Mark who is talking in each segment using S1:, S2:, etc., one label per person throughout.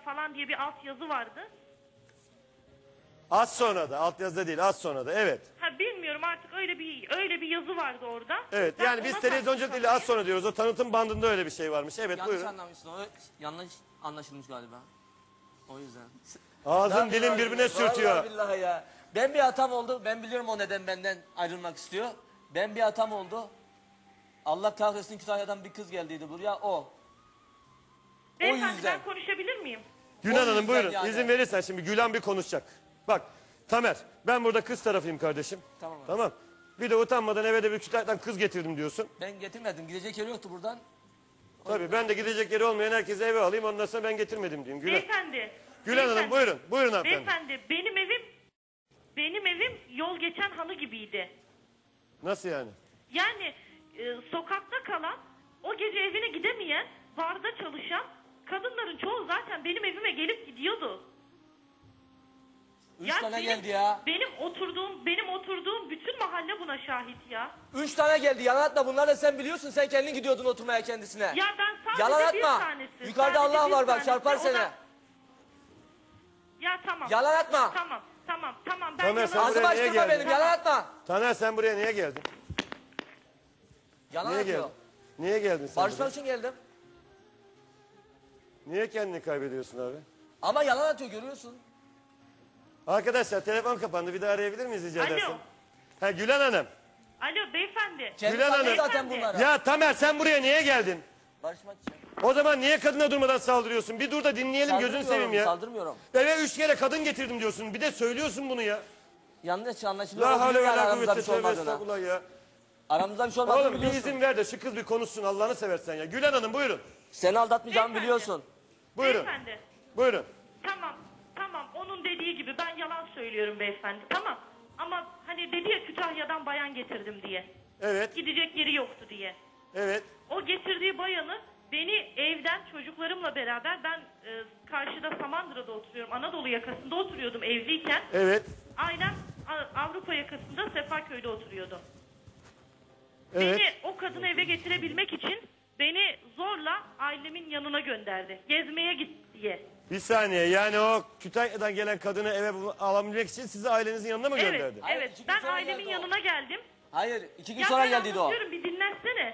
S1: falan diye bir altyazı vardı.
S2: Az sonra da, altyazıda değil, az sonra da, evet.
S1: Ha bilmiyorum artık öyle bir yazı vardı orada.
S2: Evet,
S1: Ben
S2: yani biz
S1: ona
S2: televizyonculuk değil, az sonra diyoruz. O tanıtım bandında öyle bir şey varmış. Evet,
S3: Yanlış
S2: buyurun.
S3: anlamışsın. O yanlış anlaşılmış galiba. O yüzden.
S2: Ağzın dilin birbirine sürtüyor.
S4: Vallahi billahi ya. Ben bir hatam oldu. Ben biliyorum o neden benden ayrılmak istiyor. Ben bir hatam oldu. Allah kahretsin, Kütahya'dan bir kız geldiydi buraya, o.
S1: Beyefendi
S4: yüzden.
S1: ben konuşabilir miyim?
S2: Gülen
S4: O
S2: Hanım
S4: yüzden
S2: buyurun,
S4: yani.
S2: izin verirsen şimdi Gülen bir konuşacak. Bak, Tamer, ben burada kız tarafıyım kardeşim.
S4: Tamam abi.
S2: Tamam. Bir de utanmadan eve de bir Kütahya'dan kız getirdim diyorsun.
S4: Ben getirmedim. Gidecek yeri yoktu buradan.
S2: Tabii ben de gidecek yeri olmayan herkese eve alayım, ondan sonra ben getirmedim diyeyim. Gülen.
S1: Beyefendi.
S2: Gülen Hanım
S1: beyefendi,
S2: buyurun, buyurun hanımefendi.
S1: Beyefendi benim evim yol geçen halı gibiydi.
S2: Nasıl yani?
S1: Yani sokakta kalan, o gece evine gidemeyen, barda çalışan kadınların çoğu zaten benim evime gelip gidiyordu.
S4: Üç tane geldi ya.
S1: Benim oturduğum bütün mahalle buna şahit ya.
S4: 3 tane geldi. Yalan atma. Bunları da sen biliyorsun. Sen kendin gidiyordun oturmaya kendisine.
S1: Ya ben sadece
S4: Yalan
S1: bir
S4: atma.
S1: tanesi.
S4: Yukarıda
S1: sadece
S4: Allah
S1: bir
S4: var bak,
S1: tanesi,
S4: çarpar
S1: o
S4: seni.
S1: Ya tamam.
S4: Yalan atma.
S1: Tamam. Ben
S2: Tamer, sen
S1: yalan
S4: Ağzı
S2: buraya niye
S4: açtırma
S2: geldin?
S4: benim. Yalan atma.
S2: Taner sen buraya niye geldin?
S4: Yalan
S2: Niye
S4: atıyor.
S2: geldin? Niye geldin sen
S4: Barışmak
S2: buraya?
S4: için geldim.
S2: Niye kendini kaybediyorsun abi?
S4: Ama yalan atıyor, görüyorsun.
S2: Arkadaşlar telefon kapandı, bir daha arayabilir miyiz rica
S1: Alo.
S2: edersen? Ha Gülen Hanım.
S1: Alo beyefendi.
S4: Kendi
S2: Gülen
S4: sanıyor
S2: Hanım.
S4: zaten bunlara.
S2: Ya Tamer sen buraya niye geldin?
S4: Barışmak için.
S2: O zaman niye kadına durmadan saldırıyorsun? Bir dur da dinleyelim, gözünü seveyim ya.
S4: Saldırmıyorum.
S2: Eve 3 kere kadın getirdim diyorsun. Bir de söylüyorsun bunu ya.
S4: Yanlış anlaşılıyor.
S2: La
S4: O
S2: havle
S4: biliyor
S2: ve
S4: yani
S2: la
S4: aramızda
S2: kuvvete
S4: bir şey
S2: tövbe
S4: olmadığını.
S2: estağfurullah ya.
S4: Aramızda bir şey olmadığını
S2: Oğlum bir
S4: biliyorsun.
S2: izin ver de şu kız bir konuşsun Allah'ını seversen ya. Gülen Hanım buyurun.
S4: Seni aldatmayacağımı
S1: Beyefendi.
S4: biliyorsun.
S2: Buyurun.
S1: Beyefendi.
S2: Buyurun.
S1: Tamam. Onun dediği gibi ben yalan söylüyorum beyefendi. Tamam. Ama hani dedi ya Kütahya'dan bayan getirdim diye.
S2: Evet.
S1: Gidecek yeri yoktu diye.
S2: Evet.
S1: O getirdiği bayanı beni evden çocuklarımla beraber ben karşıda Samandıra'da oturuyorum. Anadolu yakasında oturuyordum evliyken.
S2: Evet.
S1: Ailem Avrupa yakasında Sefaköy'de oturuyordu.
S2: Evet.
S1: Beni o kadını eve getirebilmek için beni zorla ailemin yanına gönderdi. Gezmeye git diye.
S2: Bir saniye, yani o Kütahya'dan gelen kadını eve alabilmek için sizi ailenizin yanına mı
S1: Evet,
S2: gönderdi?
S4: Hayır,
S1: evet.
S4: iki gün
S1: Ben
S4: sonra
S1: ailemin
S4: geldi o.
S1: yanına geldim.
S4: Hayır, 2 gün
S1: Ya
S4: sonra
S1: ben
S4: geldiydi o.
S1: anlatıyorum, bir dinlensene.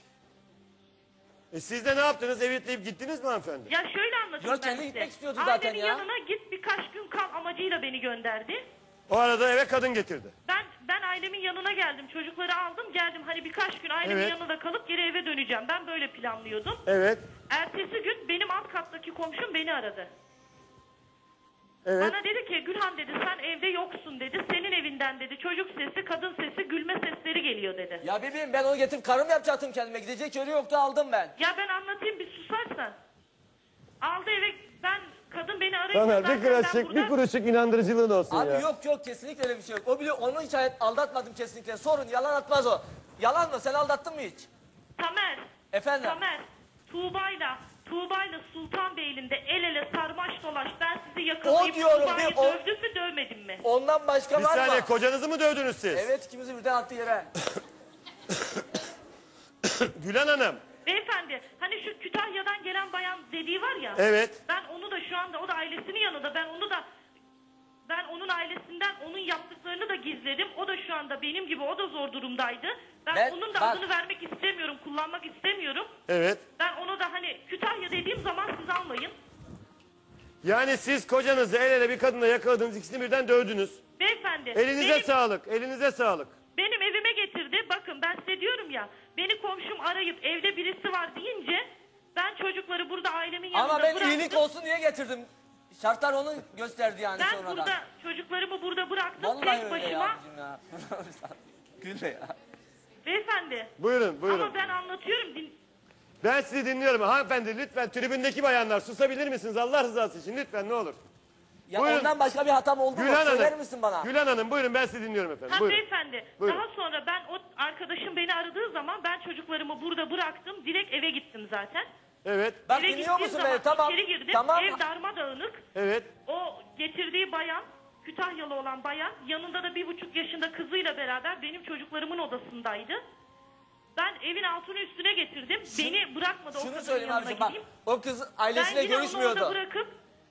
S2: Siz de ne yaptınız? Evitleyip gittiniz mi hanımefendi?
S1: Ya şöyle anlatayım
S4: Yok,
S1: ben
S4: kendi
S1: size.
S4: gitmek istiyordu zaten
S1: Ailemin
S4: ya.
S1: yanına git birkaç gün kal amacıyla beni gönderdi.
S2: O arada eve kadın getirdi.
S1: Ben ailemin yanına geldim. Çocukları aldım geldim. Hani birkaç gün ailemin
S2: Evet.
S1: yanında kalıp geri eve döneceğim. Ben böyle planlıyordum.
S2: Evet.
S1: Ertesi gün benim alt kattaki komşum beni aradı.
S2: Evet.
S1: Bana dedi ki Gülhan dedi sen evde yoksun dedi. Senin evinden dedi çocuk sesi, kadın sesi, gülme sesleri geliyor dedi.
S4: Ya bebeğim, ben onu getirip karım yapacaktım kendime. Gidecek yeri yoktu, aldım ben.
S1: Ya ben anlatayım bir susarsan. Aldı eve kadın beni arayınca
S2: Tamer
S1: zaten
S2: bir
S1: ben
S2: kuruşluk,
S1: burada...
S2: bir kuruşluk inandırıcılığın olsun
S4: Abi
S2: ya.
S4: yok kesinlikle öyle bir şey yok. O biliyor, onu hiç aldatmadım kesinlikle. Sorun, yalan atmaz o. Yalan mı? Sen aldattın mı hiç?
S1: Tamer.
S4: Efendim?
S1: Tamer. Tuğba'yla Sultanbeyli'nde el ele sarmaş dolaş ben sizi yakalayıp
S4: O diyorum,
S1: Tuğba'yı
S4: o-
S1: dövdüm mü dövmedim mi?
S4: Ondan başka
S2: Bir
S4: var
S2: saniye,
S4: mı?
S2: kocanızı mı dövdünüz siz?
S4: Evet, ikimizi birden attı yere.
S2: Gülen Hanım.
S1: Beyefendi hani şu Kütahya'dan gelen bayan dediği var ya.
S2: Evet.
S1: Ben onu da şu anda o da ailesinin yanında ben onun ailesinden onun yaptıklarını da gizledim. O da şu anda benim gibi o da zor durumdaydı. Ben onun da
S4: bak-
S1: adını vermek istemiyorum, kullanmak istemiyorum.
S2: Evet.
S1: Ben onu da hani Kütahya dediğim zaman siz almayın.
S2: Yani siz kocanızı el ele bir kadınla yakaladınız, ikisini birden dövdünüz.
S1: Beyefendi.
S2: Elinize sağlık, elinize sağlık.
S1: Benim evime getirdi. Bakın ben size diyorum ya. Beni komşum arayıp evde birisi var deyince ben çocukları burada ailemin yanında
S4: Ama ben
S1: bıraktım.
S4: iyilik olsun diye getirdim. Şartlar onu gösterdi yani
S1: Ben
S4: sonradan.
S1: burada çocuklarımı burada bıraktım
S4: Vallahi
S1: tek
S4: öyle
S1: başıma.
S4: ya abicim ya. Gülme ya.
S1: Beyefendi.
S2: Buyurun, buyurun.
S1: Ama ben anlatıyorum.
S2: Ben sizi dinliyorum. Hanımefendi lütfen tribündeki bayanlar susabilir misiniz Allah rızası için lütfen ne olur.
S4: Ya
S2: Buyurun.
S4: ondan başka bir hatam oldu mu?
S2: Gülen
S4: Söyler
S2: Hanım.
S4: misin bana?
S2: Gülen Hanım buyurun ben sizi dinliyorum efendim.
S1: Ha
S2: Buyurun.
S1: beyefendi.
S2: Buyurun.
S1: Daha sonra ben o arkadaşım beni aradığı zaman ben çocuklarımı burada bıraktım. Direkt eve gittim zaten.
S2: Evet,
S4: Bak
S1: Eve
S4: dinliyor
S1: gittiğim
S4: musun
S1: zaman
S4: beni? Tamam.
S1: içeri girdim.
S4: Tamam.
S1: Ev darmadağınık.
S2: evet.
S1: O getirdiği bayan, Kütahyalı olan bayan, yanında da 1,5 yaşında kızıyla beraber benim çocuklarımın odasındaydı. Ben evin altını üstüne getirdim. Beni bırakmadı o
S4: Şunu
S1: kadının
S4: söyleyeyim
S1: yanına
S4: abicim bak.
S1: gideyim.
S4: O kız
S1: Ben
S4: ailesiyle
S1: yine onu orada
S4: görüşmüyordu.
S1: bırakıp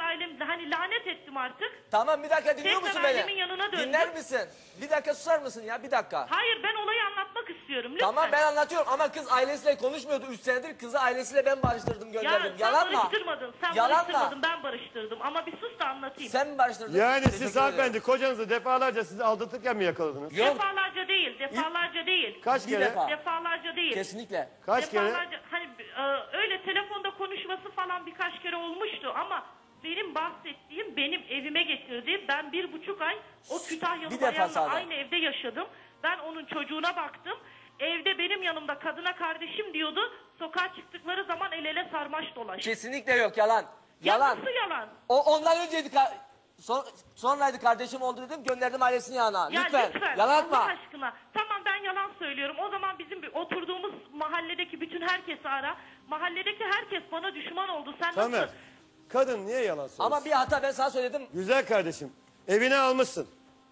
S1: ailemle hani lanet ettim artık.
S4: Tamam bir dakika dinliyor
S1: Tekrar
S4: musun beni?
S1: ailemin yanına döndüm.
S4: Dinler misin? Bir dakika susar mısın ya bir dakika.
S1: Hayır ben olayı anlatmak istiyorum lütfen.
S4: Tamam ben anlatıyorum ama kız ailesiyle konuşmuyordu 3 senedir. Kızı ailesiyle ben barıştırdım
S1: Ya
S4: gönderdim.
S1: sen
S4: Yalan mı?
S1: barıştırmadın. Sen
S4: Yalan
S1: barıştırmadın
S4: mı?
S1: ben barıştırdım. Ama bir sus da anlatayım.
S4: Sen mi barıştırdın?
S2: Yani
S4: Teşekkür
S2: siz
S4: ederim.
S2: hanımefendi kocanızı defalarca sizi aldatırken mi yakaladınız?
S4: Yok
S1: Defalarca değil. Defalarca değil.
S2: Kaç
S4: bir
S2: kere?
S4: defa.
S1: Defalarca değil.
S4: Kesinlikle.
S2: Kaç kere?
S1: Defalarca hani öyle telefonda konuşması falan birkaç kere olmuştu ama benim bahsettiğim benim evime getirdi. Ben 1,5 ay o Kütahyalı
S4: Bir defa
S1: bayanla
S4: sadece.
S1: aynı evde yaşadım. Ben onun çocuğuna baktım. Evde benim yanımda kadına kardeşim diyordu. Sokağa çıktıkları zaman el ele sarmaş dolaş.
S4: Kesinlikle yok yalan.
S1: Ya
S4: Yalan.
S1: nasıl yalan?
S4: O ondan önceydi. Sonraydı kardeşim oldu dedim gönderdim ailesinin yanına.
S1: Ya
S4: Lütfen.
S1: lütfen
S4: Yalan
S1: Allah
S4: atma.
S1: aşkına. Tamam ben yalan söylüyorum. O zaman bizim oturduğumuz mahalledeki bütün herkesi ara. Mahalledeki herkes bana düşman oldu. Sen
S2: Tamer,
S1: nasıl?
S2: kadın niye yalan söylüyor?
S4: Ama bir hata ben sana söyledim.
S2: Güzel kardeşim, evine almışsın.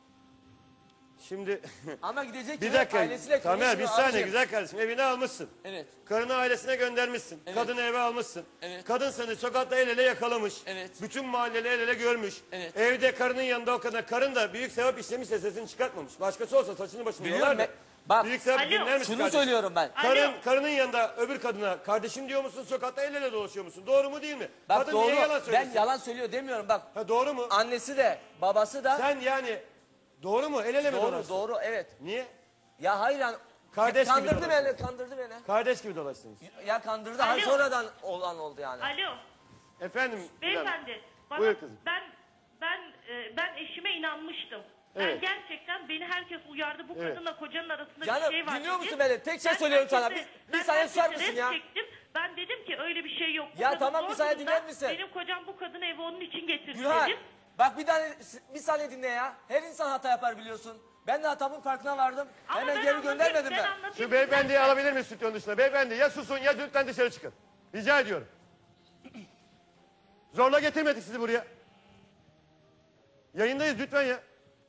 S2: Şimdi
S4: Ama gidecek
S2: bir
S4: yere
S2: dakika,
S4: ailesiyle
S2: Tamer bir
S4: konuşmuyor
S2: saniye
S4: abicim.
S2: güzel kardeşim, evine almışsın.
S4: Evet.
S2: Karını ailesine göndermişsin.
S4: Evet.
S2: Kadını eve almışsın.
S4: Evet.
S2: Kadın seni sokakta el ele yakalamış.
S4: Evet.
S2: Bütün mahalleli el ele görmüş.
S4: Evet.
S2: Evde karının yanında o kadar. Karın da büyük sevap işlemişse sesini çıkartmamış. Başkası olsa saçını başını
S4: Biliyorum
S2: yolardı.
S4: ben- bak,
S2: büyük sevap
S1: Alo.
S2: dinler misin
S4: Şunu
S2: kardeşim?
S4: söylüyorum ben.
S1: Alo.
S2: Karının yanında öbür kadına kardeşim diyor musun, sokakta el ele dolaşıyor musun? Doğru mu değil mi?
S4: Bak
S2: Kadın
S4: doğru.
S2: niye yalan
S4: Ben
S2: söylesin?
S4: yalan söylüyor demiyorum bak.
S2: Ha, doğru mu?
S4: Annesi de babası da
S2: Sen yani doğru mu? El ele mi
S4: doğru
S2: dolaştın?
S4: doğru evet.
S2: Niye?
S4: Ya hayır yani
S2: Kardeş gibi
S4: kandırdı
S2: dolaşıyor.
S4: beni kandırdı beni.
S2: Kardeş gibi dolaştınız.
S4: Ya kandırdı hayır
S1: Alo.
S4: sonradan olan oldu yani.
S1: Alo.
S2: Efendim?
S1: Beyefendi. Bana,
S2: Buyur kızım.
S1: ben eşime inanmıştım.
S2: Evet.
S1: Ben gerçekten beni herkes uyardı. Bu
S2: Evet.
S1: kadınla kocanın arasında
S4: Canım,
S1: bir şey var
S4: dinliyor
S1: dedi.
S4: musun beni? Tek şey
S1: Ben
S4: söylüyorum sana.
S1: herkese-
S4: Bir
S1: ben
S4: saniye susar
S1: herkese
S4: mısın
S1: res
S4: ya?
S1: çektim. Ben dedim ki öyle bir şey yok. Bu
S4: Ya
S1: kadın
S4: tamam,
S1: zor
S4: bir saniye
S1: durumda.
S4: dinler misin?
S1: Benim kocam bu kadını eve onun için getirdi
S4: Gülhan
S1: dedim.
S4: bak bir saniye dinle ya. Her insan hata yapar biliyorsun. Ben de hatamın farkına vardım.
S1: Ama
S4: Hemen
S1: ben
S4: geri
S1: anlatayım,
S4: göndermedim
S1: ben
S4: ben.
S1: anlatayım.
S2: Şu beyefendiyi alabilir miyiz stüdyonun dışına? Beyefendi ya susun ya lütfen dışarı çıkın. Rica ediyorum. Zorla getirmedik sizi buraya. Yayındayız lütfen ya.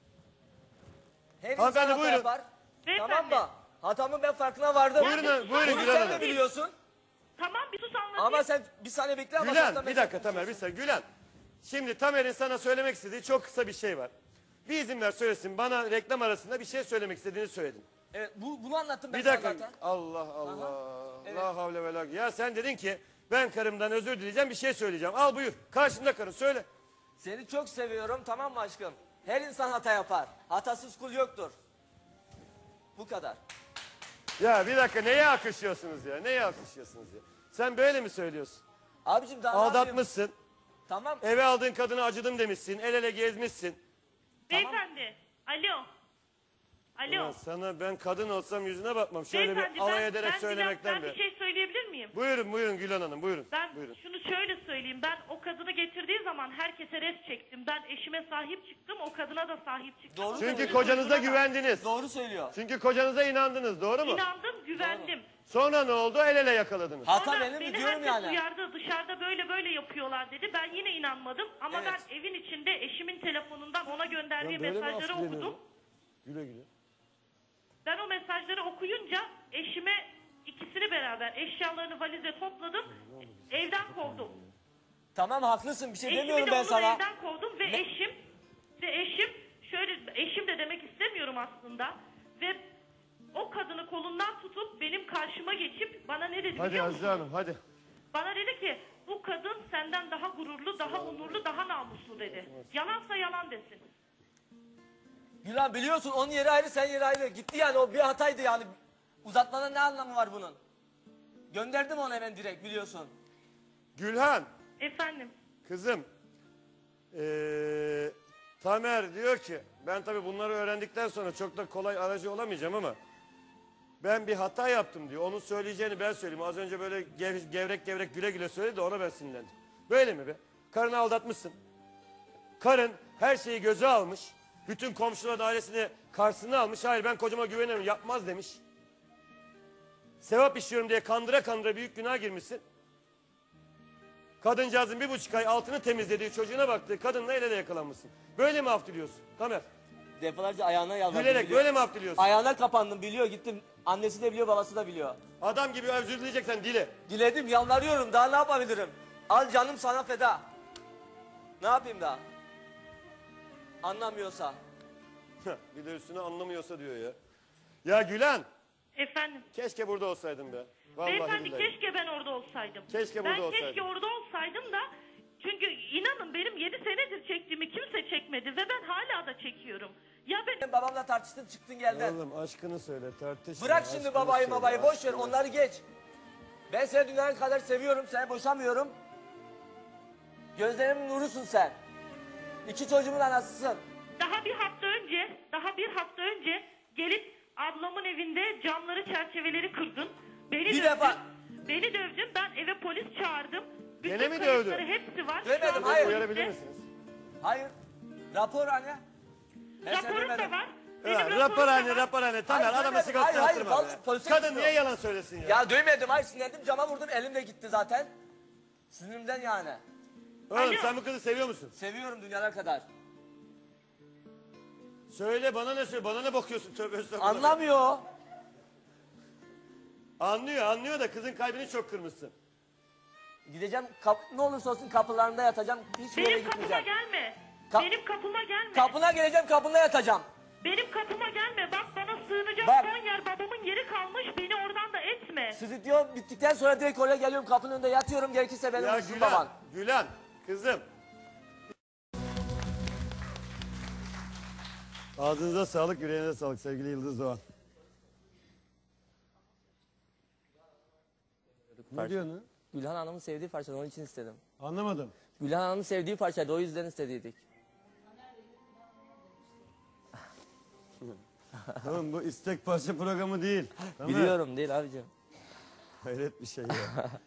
S4: Her insan
S2: Hanımefendi,
S4: hata
S2: buyurun.
S4: yapar.
S1: Beyefendi.
S4: Tamam mı? Hatamın ben farkına vardım.
S2: Buyurun, buyurun
S4: Bunu
S2: Gülhan
S4: sen
S2: Hanım.
S4: de biliyorsun.
S1: Tamam bir sus anlatayım.
S4: Ama sen bir saniye bekle ama
S2: Gülen
S4: zaten
S2: bir dakika Tamer bir saniye. Gülen. Şimdi Tamer'in sana söylemek istediği çok kısa bir şey var. Bir izin ver söylesin. Bana reklam arasında bir şey söylemek istediğini söyledin.
S4: Evet bunu anlattım ben
S2: Bir
S4: sana
S2: dakika.
S4: zaten.
S2: Allah Allah.
S4: Evet.
S2: La havle ve la. Ya sen dedin ki ben karımdan özür dileyeceğim bir şey söyleyeceğim. Al buyur. Karşında karın söyle.
S4: Seni çok seviyorum tamam mı aşkım? Her insan hata yapar. Hatasız kul yoktur. Bu kadar.
S2: Ya bir dakika neye alkışlıyorsunuz ya? Neye alkışlıyorsunuz ya? Sen böyle mi söylüyorsun?
S4: Abicim daha ne yapayım?
S2: Aldatmışsın.
S4: Tamam.
S2: Eve aldığın kadına acıdım demişsin. El ele gezmişsin.
S1: Beyefendi. Alo. Alo.
S2: Ya sana ben kadın olsam yüzüne bakmam. Şöyle
S1: Beyefendi
S2: bir alay ederek
S1: ben
S2: söylemekten
S1: bir
S2: be.
S1: şey söyleyebilir miyim?
S2: Buyurun buyurun Gülen Hanım buyurun.
S1: Ben
S2: Buyurun.
S1: şunu şöyle söyleyeyim. Ben o kadını getirdiği zaman herkese res çektim. Ben eşime sahip çıktım. O kadına da sahip çıktım.
S4: Doğru
S1: O
S2: Çünkü
S1: kadının
S2: kocanıza
S1: çocuğuna da
S2: güvendiniz.
S4: Doğru söylüyor.
S2: Çünkü kocanıza inandınız doğru mu?
S1: İnandım, güvendim.
S2: Sonra ne oldu? El ele yakaladınız.
S4: Hata
S1: Sonra
S4: benim mi
S1: beni
S4: diyorum
S1: herkes
S4: yani.
S1: uyardı. Dışarıda böyle böyle yapıyorlar dedi. Ben yine inanmadım. Ama
S4: Evet.
S1: ben evin içinde eşimin telefonundan ona gönderdiği
S2: Ben böyle mi
S1: mesajları
S2: affediliyorum?
S1: okudum.
S2: Güle güle.
S1: Ben o mesajları okuyunca eşime ikisini beraber eşyalarını valize topladım. Evden kovdum.
S4: Tamam haklısın bir şey
S1: Eşimi
S4: demiyorum
S1: de
S4: ben
S1: onu da
S4: sana.
S1: evden kovdum ve eşim şöyle eşim de demek istemiyorum aslında ve o kadını kolundan tutup benim karşıma geçip bana ne dedi
S2: Hadi
S1: biliyor
S2: Azize
S1: musun?
S2: Hanım hadi.
S1: Bana dedi ki bu kadın senden daha gururlu, daha onurlu, daha namuslu dedi. Yalansa yalan desin.
S4: Gülan biliyorsun onun yeri ayrı sen yeri ayrı. Gitti yani o bir hataydı yani. Uzatmanın ne anlamı var bunun? Gönderdim onu hemen direkt biliyorsun.
S2: Gülhan
S1: Efendim.
S2: kızım. Tamer diyor ki ben tabii bunları öğrendikten sonra çok da kolay aracı olamayacağım ama ben bir hata yaptım diyor. Onun söyleyeceğini ben söyleyeyim. Az önce böyle gevrek gevrek güle güle söyledi de ona ben sinirlendim. Böyle mi be? Karını aldatmışsın. Karın her şeyi göze almış. Bütün komşular ailesini karşısına almış. Hayır ben kocama güveniyorum yapmaz demiş. Sevap işliyorum diye kandıra kandıra büyük günah girmişsin. Kadıncağızın 1,5 ay altını temizlediği çocuğuna baktığı kadınla el ele yakalanmışsın. Böyle mi af diliyorsun Tamer?
S4: Defalarca ayağına yalvardım.
S2: Gülerek
S4: biliyor.
S2: böyle mi af diliyorsun?
S4: Ayağına kapandım biliyor gittim. Annesi de biliyor babası da biliyor.
S2: Adam gibi özür dileyeceksen dile.
S4: Diledim yalvarıyorum daha ne yapabilirim? Al canım sana feda. Ne yapayım daha? Anlamıyorsa.
S2: Bir de üstüne anlamıyorsa diyor ya. Ya Gülen,
S1: Efendim.
S2: keşke burada olsaydın be. Vallahi
S1: Beyefendi
S2: billahi.
S1: keşke ben orada olsaydım.
S2: Keşke burada
S1: ben
S2: olsaydın.
S1: keşke orada olsaydım da çünkü inanın benim 7 senedir çektiğimi kimse çekmedi ve ben hala da çekiyorum. Ya ben
S4: Sen babamla tartıştın çıktın geldin.
S2: Oğlum aşkını söyle, tartışma.
S4: Bırak şimdi
S2: aşkını
S4: babayı
S2: söyle,
S4: babayı boş ver
S2: aşkını.
S4: onları geç. Ben seni dünyanın kadar seviyorum seni boşamıyorum. Gözlerimin nurusun sen. 2 çocuğumun anasısın.
S1: daha bir hafta önce gelip ablamın evinde camları çerçeveleri kırdın.
S4: Bir defa-
S1: Beni dövdün. Ben eve polis çağırdım.
S2: Gene
S1: Bütün
S2: mi
S1: kayıtları
S2: dövdü?
S1: hepsi var. Şu
S4: Dövmedim,
S1: anda
S4: hayır.
S1: poliste.
S2: Uyarabilir misiniz?
S4: Hayır. Rapor hani. Ben seni
S1: Raporum da
S4: duymadım.
S1: var.
S2: Evet,
S1: Benim
S2: raporhane,
S1: da var.
S2: raporhane. Tamer
S4: Hayır,
S2: adama
S4: duymadım.
S2: sigorta
S4: Hayır,
S2: yaptırma
S4: hayır,
S2: be.
S4: polise
S2: Kadın
S4: gidiyor.
S2: niye yalan söylesin ya?
S4: Ya duymadım hayır sinirlendim cama vurdum elim de gitti zaten. Sinirimden yani.
S2: Oğlum
S1: Alo.
S2: sen bu kızı seviyor musun?
S4: Seviyorum dünyalar kadar.
S2: Söyle bana ne söyle, bana ne bakıyorsun tövbe estağfurullah.
S4: Anlamıyor.
S2: Anlıyor da kızın kalbini çok kırmışsın.
S4: Gideceğim ne olursa olsun kapılarında yatacağım. Hiçbir yere
S1: Benim kapıma
S4: gitmeyeceğim.
S1: gelme.
S4: Ka-
S1: Benim kapıma gelme.
S4: Kapına geleceğim kapında yatacağım.
S1: Benim kapıma gelme. Bak bana sığınacak
S4: Bak.
S1: son yer babamın yeri kalmış. Beni oradan da etme.
S4: Stüdyo bittikten sonra direkt oraya geliyorum kapının önünde yatıyorum gerekirse benim
S2: Ya
S4: uzun
S2: Gülen,
S4: baban.
S2: Gülen kızım. Ağzınıza sağlık, yüreğinize sağlık sevgili Yıldız Doğan. Ne diyorsun?
S4: Gülhan Hanım'ın sevdiği parçaydı onun için istedim.
S2: Anlamadım.
S4: Gülhan Hanım'ın sevdiği parçaydı o yüzden istediydik.
S2: Oğlum bu istek parça programı değil. Tamer.
S4: Biliyorum değil abicim.
S2: Hayret bir şey ya.